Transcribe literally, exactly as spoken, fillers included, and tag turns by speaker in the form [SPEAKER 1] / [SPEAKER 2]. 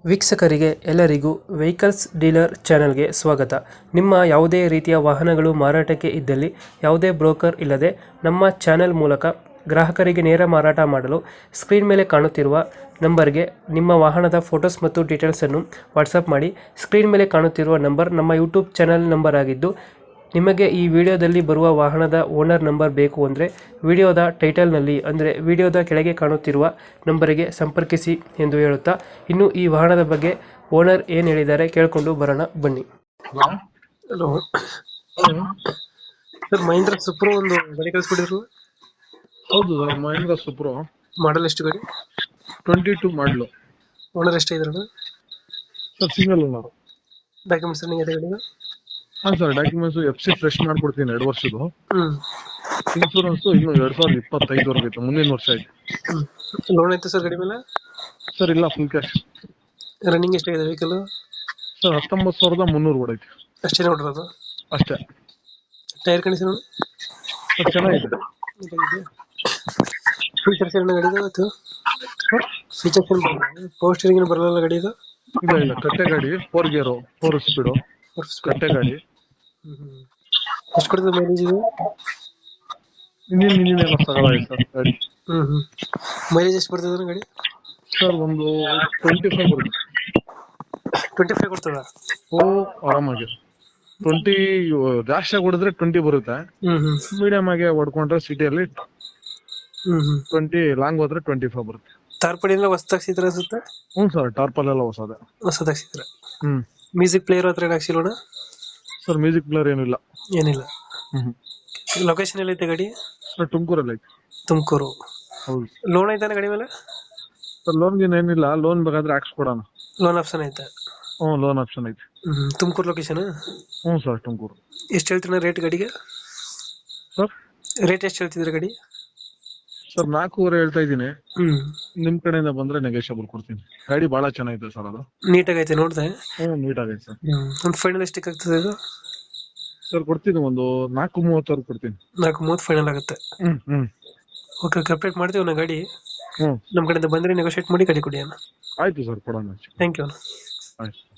[SPEAKER 1] ವೀಕ್ಷಕರಿಗೆ ಎಲ್ಲರಿಗೂ vehicles dealer ಚಾನೆಲ್ಗೆ ಸ್ವಾಗತ. ನಿಮ್ಮ ಯಾವುದೇ ರೀತಿಯ ವಾಹನಗಳು ಮಾರಾಟಕ್ಕೆ ಇದ್ದಲ್ಲಿ ಯಾವುದೇ ಬ್ರೋಕರ್ ಇಲ್ಲದೆ ನಮ್ಮ ಚಾನೆಲ್ ಮೂಲಕ ಗ್ರಾಹಕರಿಗೆ ನೇರ ಮಾರಾಟ ಮಾಡಲು ಸ್ಕ್ರೀನ್ ಮೇಲೆ ಕಾಣುತ್ತಿರುವ ನಂಬರ್ಗೆ ನಿಮ್ಮ ವಾಹನದ ಫೋಟೋಸ್ ಮತ್ತು ಡೀಟೇಲ್ಸನ್ನು ವಾಟ್ಸಪ್ ಮಾಡಿ. ಸ್ಕ್ರೀನ್ ಮೇಲೆ ಕಾಣುತ್ತಿರುವ ನಂಬರ್ ನಮ್ಮ ಯೂಟ್ಯೂಬ್ ಚಾನೆಲ್ ನಂಬರ್ ಆಗಿದ್ದು, ನಿಮಗೆ ಈ ವಿಡಿಯೋದಲ್ಲಿ ಬರುವ ವಾಹನದ ಓನರ್ ನಂಬರ್ ಬೇಕು ಅಂದರೆ ವಿಡಿಯೋದ ಟೈಟಲ್ನಲ್ಲಿ ಅಂದರೆ ವಿಡಿಯೋದ ಕೆಳಗೆ ಕಾಣುತ್ತಿರುವ ನಂಬರಿಗೆ ಸಂಪರ್ಕಿಸಿ ಎಂದು ಹೇಳುತ್ತಾ, ಇನ್ನು ಈ ವಾಹನದ ಬಗ್ಗೆ ಓನರ್ ಏನು ಹೇಳಿದ್ದಾರೆ ಕೇಳಿಕೊಂಡು ಬರೋಣ ಬನ್ನಿ. ಹಲೋ ಸರ್, ಮಹೀಂದ್ರ ಸುಪ್ರೋ ಒಂದು ಗಾಡಿ ಕಳಿಸ್ಬಿಟ್ಟಿದ್ರು.
[SPEAKER 2] ಹೌದು ಸರ್, ಮಹೇಂದ್ರ ಸುಪ್ರೋ
[SPEAKER 1] ಮಾಡಲ್ ಎಷ್ಟು ಗಾಡಿ?
[SPEAKER 2] Twenty two model.
[SPEAKER 1] ಓನರ್ ಎಷ್ಟಾಗಿದ್ರು
[SPEAKER 2] sir single owner.
[SPEAKER 1] Documents running ಇದೆ ಗಾಡಿಗೆ?
[SPEAKER 2] ಹಾಂ sir, documents F C fresh ಮಾಡ್ಕೊಡ್ತೀನಿ ಎರಡು ವರ್ಷದ್ದು.
[SPEAKER 1] ಹ್ಞೂ
[SPEAKER 2] ಇನ್ಶೂರೆನ್ಸ್ ಇನ್ನು ಎರಡ್ ಸಾವಿರದ ಇಪ್ಪತ್ತೈದವರೆಗೆ ಐತೆ, ಮುಂದಿನ ವರ್ಷ ಐತೆ.
[SPEAKER 1] ಹ್ಞೂ ಲೋನ್ ಐತೆ ಸರ್ ಗಾಡಿ ಮೇಲೆ?
[SPEAKER 2] ಸರ್ ಇಲ್ಲ, ಫುಲ್ ಕ್ಯಾಶ್.
[SPEAKER 1] ರನ್ನಿಂಗ್ ಎಷ್ಟಾಗಿದೆ ವೆಹಿಕಲ್?
[SPEAKER 2] ಸರ್ ಹತ್ತೊಂಬತ್ತು ಸಾವಿರದ ಮುನ್ನೂರು ಓಡೈತೆ
[SPEAKER 1] ಅಷ್ಟೇ ನೋಡಿರೋದು?
[SPEAKER 2] ಅಷ್ಟೇ.
[SPEAKER 1] ಟೈರ್ ಕಂಡೀಷನ್
[SPEAKER 2] ಸರ್ ಚೆನ್ನಾಗಿದೆ.
[SPEAKER 1] ಫೀಚರ್ಸ್ ಏನು ಗಾಡಿದು? ಅದು ಫೀಚರ್ಸ್ ಏನು ಬರಲ್ಲ? ಪವರ್ ಸ್ಟೀರಿಂಗ್ ಏನು ಬರಲ್ಲ ಗಾಡಿದು?
[SPEAKER 2] ಇಲ್ಲ ಇಲ್ಲ, ಕಟ್ಟೆ ಗಾಡಿ, ಫೋರ್ ಗೇರು, ಫೋರ್ ಸ್ಪೀಡು, ಕಟ್ಟೆ ಗಾಡಿ.
[SPEAKER 1] ಎಷ್ಟು ಕೊಡ್ತದೆ ಮೈಲೇಜ್ ಇದು?
[SPEAKER 2] ಇಂಜಿನ್ ಇಂಜಿನ್ ಎಲ್ಲ ತಗೊಳ್ಳಾಗಿದೆ ಸರ್ ಗಾಡಿ.
[SPEAKER 1] ಹ್ಞೂ ಹ್ಞೂ ಮೈಲೇಜ್ ಎಷ್ಟು ಬರ್ತದೆ ಗಾಡಿ?
[SPEAKER 2] ಸರ್ ಒಂದು ಟ್ವೆಂಟಿ ಫೈವ್ ಬರುತ್ತೆ.
[SPEAKER 1] ಟ್ವೆಂಟಿ ಫೈವ್ ಕೊಡ್ತದ?
[SPEAKER 2] ಓ ಆರಾಮಾಗಿ ಟ್ವೆಂಟಿ, ಜಾಸ್ತಿ ಹೊಡಿದ್ರೆ ಟ್ವೆಂಟಿ ಬರುತ್ತೆ.
[SPEAKER 1] ಹ್ಞೂ ಹ್ಞೂ
[SPEAKER 2] ಮೀಡಿಯಂ ಆಗಿ ಹೊಡ್ಕೊಂಡ್ರೆ ಸಿಟಿಯಲ್ಲಿ
[SPEAKER 1] ಹ್ಞೂ ಹ್ಞೂ
[SPEAKER 2] ಟ್ವೆಂಟಿ, ಲಾಂಗ್ ಹೋದ್ರೆ ಟ್ವೆಂಟಿ ಫೈವ್ ಬರುತ್ತೆ.
[SPEAKER 1] ತಾರ್ಪಡಿ ಎಲ್ಲ ಹೊಸದಾಗ್ಸಿದ್ರ ಅನ್ಸುತ್ತೆ?
[SPEAKER 2] ಹ್ಞೂ ಸರ್, ಟಾರ್ಪಲ್ ಎಲ್ಲ ಹೊಸದೆ.
[SPEAKER 1] ಹೊಸದಾಗ್ಸಿದ್ರ?
[SPEAKER 2] ಹ್ಮ್
[SPEAKER 1] ಮ್ಯೂಸಿಕ್ ಪ್ಲೇಯರ್ ಹತ್ರ ಹಾಕ್ಸಿಲ್ಲೋಣ?
[SPEAKER 2] ಸರ್ ಮ್ಯೂಸಿಕ್ ಪ್ಲೇಯರ್ ಏನಿಲ್ಲ.
[SPEAKER 1] ಏನಿಲ್ಲ.
[SPEAKER 2] ಹ್ಮ್
[SPEAKER 1] ಲೊಕೇಶನ್ ಎಲ್ಲೈತೆ ಗಾಡಿ?
[SPEAKER 2] ಸರ್ ತುಮಕೂರಲ್ಲಿ ಐತೆ.
[SPEAKER 1] ತುಮಕೂರು.
[SPEAKER 2] ಹೌದು.
[SPEAKER 1] ಲೋನ್ ಐತಾನೆ ಗಾಡಿ ಮೇಲೆ?
[SPEAKER 2] ಸರ್ ಲೋನ್ ಗೀನ್ ಏನಿಲ್ಲ, ಲೋನ್ ಬೇಕಾದ್ರೆ ಹಾಕ್ಸ್ಕೊಡೋಣ.
[SPEAKER 1] ಲೋನ್ ಆಪ್ಷನ್ ಐತೆ?
[SPEAKER 2] ಹ್ಞೂ ಲೋನ್ ಆಪ್ಷನ್ ಐತೆ.
[SPEAKER 1] ಹ್ಮ್ ತುಮಕೂರು ಲೊಕೇಶನ್?
[SPEAKER 2] ಹ್ಞೂ ಸರ್ ತುಮಕೂರು.
[SPEAKER 1] ಎಷ್ಟು ಹೇಳ್ತೀರ ರೇಟ್ ಗಾಡಿಗೆ?
[SPEAKER 2] ಸರ್
[SPEAKER 1] ರೇಟ್ ಎಷ್ಟು ಹೇಳ್ತಿದ್ರೆ ಗಾಡಿ?
[SPEAKER 2] ಸರ್ ನಾಲ್ಕೂವರೆ ಹೇಳ್ತಾ ಇದ್ದೀನಿ.
[SPEAKER 1] ಹ್ಮ್
[SPEAKER 2] ನಿಮ್ ಕಡೆಯಿಂದ ಬಂದ್ರೆ ನೆಗೋಷಿಯಬಲ್ ಕೊಡ್ತೀನಿ. ಗಾಡಿ ಬಹಳ ಚೆನ್ನಾಗಿದೆ ಸರ್, ಅದು
[SPEAKER 1] ನೀಟಾಗೈತೆ ನೋಡ್ದೆ?
[SPEAKER 2] ಹ್ಞೂ ನೀಟ್ ಆಗೈತೆ ಸರ್.
[SPEAKER 1] ಹ್ಮ್ ಒಂದು ಫೈನಲ್ ಎಷ್ಟಕ್ಕೆ ಆಗ್ತದೆ ಇದು?
[SPEAKER 2] ಸರ್ ಕೊಡ್ತೀನಿ, ಒಂದು ನಾಲ್ಕು ಮೂವತ್ತವರೆಗೆ ಕೊಡ್ತೀನಿ.
[SPEAKER 1] ನಾಲ್ಕು ಮೂವತ್ತು ಫೈನಲ್ ಆಗುತ್ತೆ?
[SPEAKER 2] ಹ್ಮ್ ಹ್ಮ್
[SPEAKER 1] ಓಕೆ ಓಕೆ, ಅಪ್ಡೇಟ್ ಮಾಡ್ತೀವಿ ನಾ ಗಾಡಿ.
[SPEAKER 2] ಹ್ಞೂ
[SPEAKER 1] ನಮ್ಮ ಕಡೆಯಿಂದ ಬಂದರೆ ನೆಗೋಷಿಯೇಟ್ ಮಾಡಿ ಗಾಡಿ ಕೊಡಿ ಅಣ್ಣ.
[SPEAKER 2] ಆಯ್ತು ಸರ್, ಕೊಡೋಣ.
[SPEAKER 1] ಥ್ಯಾಂಕ್ ಯು ಅಣ್ಣ.
[SPEAKER 2] ಆಯ್ತು.